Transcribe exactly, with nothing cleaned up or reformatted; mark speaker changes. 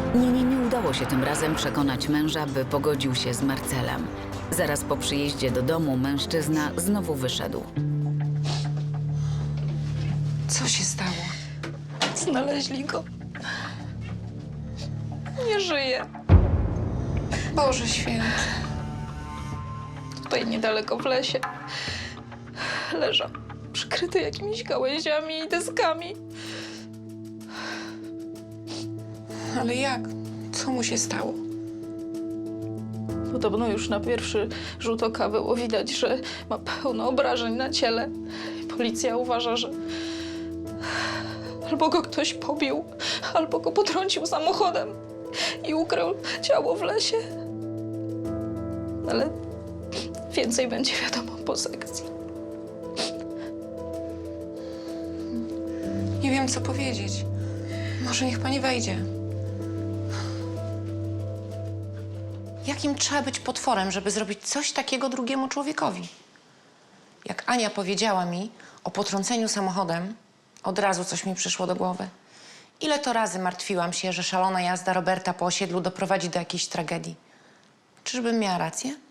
Speaker 1: Ninie nie udało się tym razem przekonać męża, by pogodził się z Marcelem. Zaraz po przyjeździe do domu mężczyzna znowu wyszedł.
Speaker 2: Co się stało?
Speaker 3: Znaleźli go. Nie żyje.
Speaker 2: Boże święty.
Speaker 3: Tutaj niedaleko w lesie. Leżał przykryty jakimiś gałęziami i deskami.
Speaker 2: Ale jak? Co mu się stało?
Speaker 3: Podobno już na pierwszy rzut oka było widać, że ma pełno obrażeń na ciele. Policja uważa, że albo go ktoś pobił, albo go potrącił samochodem i ukrył ciało w lesie. Ale więcej będzie wiadomo po sekcji.
Speaker 2: Nie wiem, co powiedzieć. Może niech pani wejdzie. Jakim trzeba być potworem, żeby zrobić coś takiego drugiemu człowiekowi? Jak Ania powiedziała mi o potrąceniu samochodem, od razu coś mi przyszło do głowy. Ile to razy martwiłam się, że szalona jazda Roberta po osiedlu doprowadzi do jakiejś tragedii. Czyżbym miała rację?